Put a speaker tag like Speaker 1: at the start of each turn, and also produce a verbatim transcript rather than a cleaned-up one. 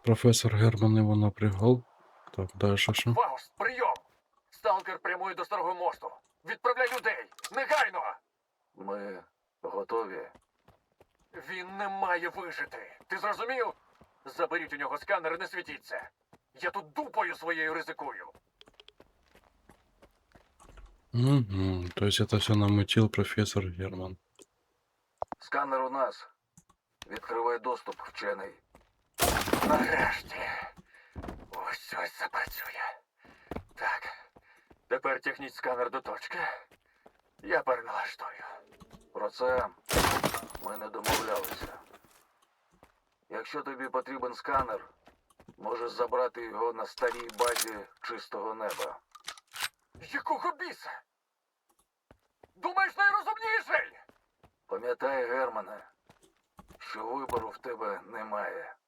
Speaker 1: Професор Герман його напрягав. Так, далі що?
Speaker 2: Фауст, прийом! Сталкер прямує до старого мосту. Відправляй людей! Негайно! Ми готові. Він не має вижити. Ти зрозумів? Заберіть у нього сканер і не світіться. Я тут дупою своєю ризикую.
Speaker 1: Угу. То есть это все намутил профессор Герман.
Speaker 2: Сканер у нас. Відкривай доступ, вчений. Нарешті. Ось ось запрацює. Так. Тепер тягніть сканер до точки. Я переналаштую. Про це ми не домовлялися. Якщо тобі потрібен сканер, можеш забрати його на старій базі чистого неба. Якого біса? Думаєш, найрозумніший? Пам'ятай, Германе, що вибору в тебе немає.